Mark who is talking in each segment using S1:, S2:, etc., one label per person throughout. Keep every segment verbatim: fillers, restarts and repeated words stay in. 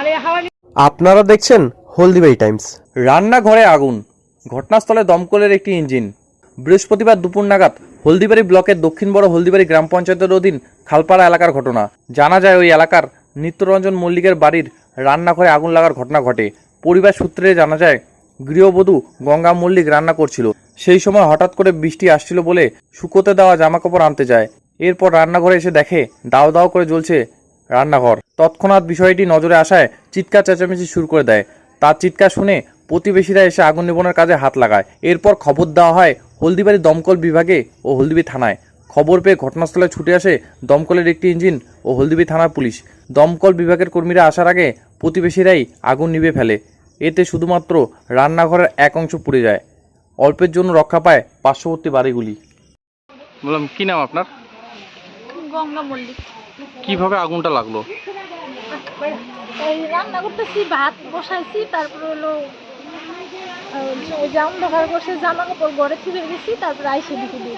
S1: আপনারা দেখছেন হলদিবাড়ি টাইমস।
S2: রান্নাঘরে আগুন, ঘটনাস্থলে দমকলের একটি ইঞ্জিন। বৃহস্পতিবার দুপুর নাগাদ হলদিবাড়ি ব্লকের দক্ষিণ বড় হলদিবাড়ি গ্রাম পঞ্চায়েতের অধীন খালপাড়া এলাকার ঘটনা। জানা যায় ওই এলাকার নিত্যরঞ্জন মল্লিকের বাড়ির রান্নাঘরে আগুন লাগার ঘটনা ঘটে। পরিবার সূত্রে জানা যায়, গৃহবধূ গঙ্গা মল্লিক রান্না করছিল। সেই সময় হঠাৎ করে বৃষ্টি আসছিল বলে শুকোতে দেওয়া জামাকাপড় আনতে যায়। এরপর রান্নাঘরে এসে দেখে দাও দাও করে জ্বলছে রান্নাঘর। তৎক্ষণাৎ বিষয়টি নজরে আসায় চিৎকার চেঁচামেচি শুরু করে দেয়। তার চিৎকার শুনে প্রতিবেশীরা এসে আগুন নিবানোর কাজে হাত লাগায়। এরপর খবর দেওয়া হয় হলদিবাড়ি দমকল বিভাগে ও হলদিবাড়ি থানায়। খবর পেয়ে ঘটনাস্থলে ছুটে আসে দমকলের একটি ইঞ্জিন ও হলদিবাড়ি থানার পুলিশ। দমকল বিভাগের কর্মীরা আসার আগে প্রতিবেশীরাই আগুন নিভে ফেলে। এতে শুধুমাত্র রান্নাঘরের এক অংশ পুড়ে যায়। অল্পের জন্য রক্ষা পায় পার্শ্ববর্তী বাড়িগুলি। বললাম, কি নাম আপনার?
S3: গঙ্গা মল্লিক।
S2: কিভাবে আগুনটা লাগলো?
S3: এই রান্না করতেছি, ভাত বসাইছি, তারপরে হলো জাম ঢাকার করছে, জামা কাপড় ঘরে তুলে গেছি, তারপরে আইসে দিকে দিয়ে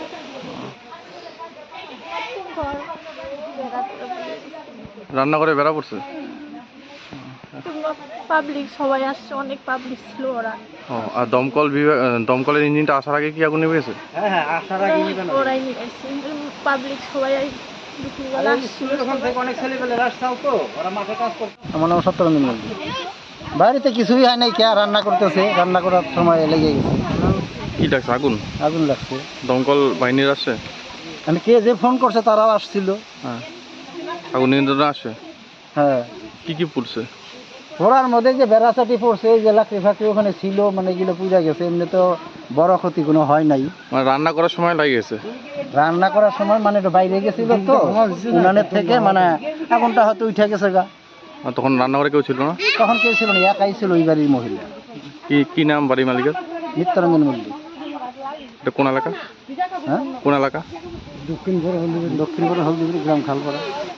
S2: রান্নাঘরে বেড়া পড়ছে।
S3: পাবলিক সবাই আসছে, অনেক পাবলিক ছিল ওরা।
S2: ও, আর দমকল বিভাগ দমকলের ইঞ্জিনটা আসার আগে কি আগুন নিভে গেছে?
S1: হ্যাঁ হ্যাঁ আসার আগে
S3: ওরাই নিয়েছে, পাবলিক সবাই দুপুরবেলা আসছিল।
S1: অনেক ছেলেপেলে রাস্তাও তো ওরা মাঠে কাজ করছে।
S4: আমার নাম সত্যরঞ্জন মল্লিক। বাড়িতে কিছুই হয় নাই, কে রান্না করতেছে, রান্না করার সময় লেগে গেছে।
S2: কি লাগছে? আগুন
S4: আগুন লাগছে।
S2: দমকল বাহিনীর আসছে?
S4: আমি কে যে ফোন করছে তারাও আসছিল।
S2: হ্যাঁ, আগুন নিয়ন্ত্রণে আসে।
S4: হ্যাঁ,
S2: কি কি পড়ছে?
S4: ওরার মধ্যে যে বেড়াচাটি পড়ছে, যে লাকড়ি ফাকড়ি ওখানে ছিল, মানে এগুলো পূজা গেছে। এমনি তো বড় ক্ষতি কোনো হয় নাই।
S2: মানে রান্না করার সময় লাগে গেছে?
S4: রান্না করার সময় মানে একটু বাইরে গেছিল তো উনানের থেকে, মানে আগুনটা হয়তো উঠে গেছে গা।
S2: আর তখন রান্নাঘরে কেউ ছিল না?
S4: তখন কেউ ছিল না, একাই ছিল ওই বাড়ির মহিলা।
S2: কি কি নাম বাড়ি মালিকের?
S4: নিত্যরঞ্জন মল্লিক।
S2: এটা কোন এলাকা?
S4: হ্যাঁ,
S2: কোন এলাকা?
S4: দক্ষিণ বড় হলদিবাড়ি, দক্ষিণ বড় হলদিবাড়ি গ্রাম খালপাড়া।